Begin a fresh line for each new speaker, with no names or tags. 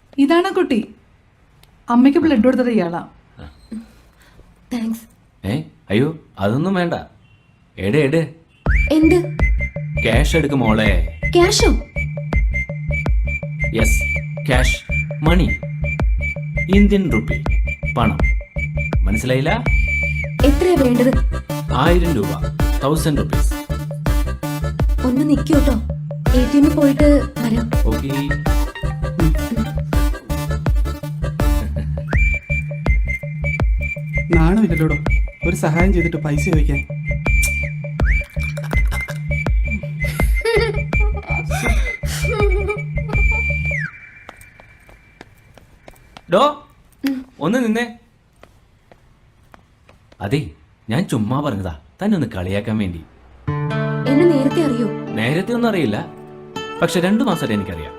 ഇതാണ് കുട്ടി. അമ്മയ്ക്ക് ബ്ലഡ് കൊടുത്തത് ഇയാളാ.
താങ്ക്സ്.
അയ്യോ അതൊന്നും വേണ്ട. എട്
എന്ത്?
ക്യാഷ് എടുക്ക് മോളെ.
ക്യാഷോ?
Yes, cash, money, Indian rupee, പണം. മനസ്സിലായില്ല?
എത്രയാ വേണ്ടത്?
1000 രൂപ, 1000 റുപ്പീസ്.
ഒന്ന് നിൽക്കൂട്ടോ, ATM പോയിട്ട് വരാം.
ഓക്കെ.
നാണമില്ലല്ലോടോ ഒരു സഹായം ചെയ്തിട്ട് പൈസ ചോദിക്കാൻ.
ഡോ ഒന്ന് നിന്നേ. അതെ, ഞാൻ ചുമ്മാ പറഞ്ഞതാ, തന്നെ ഒന്ന് കളിയാക്കാൻ വേണ്ടി.
എന്നെ നേരത്തെ അറിയോ?
നേരത്തെ ഒന്നും അറിയില്ല, പക്ഷെ 2 മാസമായിട്ട് എനിക്കറിയാം.